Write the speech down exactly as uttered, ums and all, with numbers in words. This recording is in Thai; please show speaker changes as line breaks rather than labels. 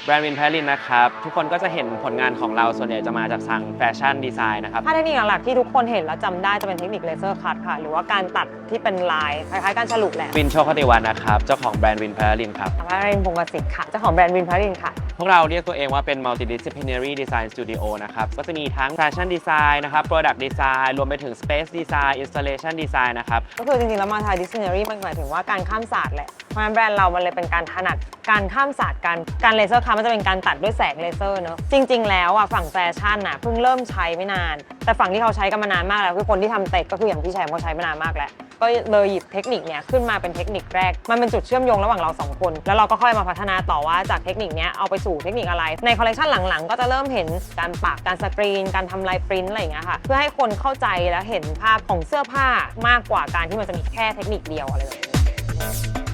แบรนด์วินแพลินนะครับทุกคนก็จะเห็นผลงานของเราส่วนใหญ่จะมาจากทางแฟชั่นดีไซน์นะครับ
ถ้าเทคนิคหลักๆที่ทุกคนเห็นแล้วจำได้จะเป็นเทคนิคเลเซอร์คัตค่ะหรือว่าการตัดที่เป็นลายคล้ายๆการฉลุแหละ
วินโชคติวันนะครับเจ้าของแบรนด์วินแพลินครับ
พารินพงศ์สิทธิ์ค่ะเจ้าของแบรนด์วินพารินค่ะ
พวกเราเรียกตัวเองว่าเป็น multidisciplinary design studio นะครับก็จะมีทั้ง fashion design นะครับ product design รวมไปถึง space design installation design นะครับ
ก็คือจริงๆแล้ว multidisciplinary มันหมายถึงว่าการข้ามศาสตร์แหละเพราะฉะนั้นแบรนด์เรามันเลยเป็นการถนัดการข้ามศาสตร์การการเลเซอร์คัตมันจะเป็นการตัดด้วยแสงเลเซอร์เนอะจริงๆแล้วอ่ะฝั่งแฟชั่นอ่ะเพิ่งเริ่มใช้ไม่นานแต่ฝั่งที่เขาใช้กันมานานมากแล้วคือคนที่ทำเต็กก็คืออย่างพี่แชมป์เขาใช้มานานมากแล้วก็เลยหยิบเทคนิคเนี้ยขึ้นมาเป็นเทคนิคแรกมันเป็นจุดเชื่อมโยงระหว่างเราสองคนแล้วเราก็ค่อยมาพัฒนาต่อว่าจากเทคนิคเนี้ยเอาไปสู่เทคนิคอะไรในคอลเลคชันหลังๆก็จะเริ่มเห็นการปักการสกรีนการทำลายปริ้นอะไรอย่างเงี้ยค่ะเพื่อให้คนเข้าใจและเห็นภาพของเสื้อผ้ามากกว่าการที่มันจะมีแค่เทคนิคเดียวอะไรแบบนี้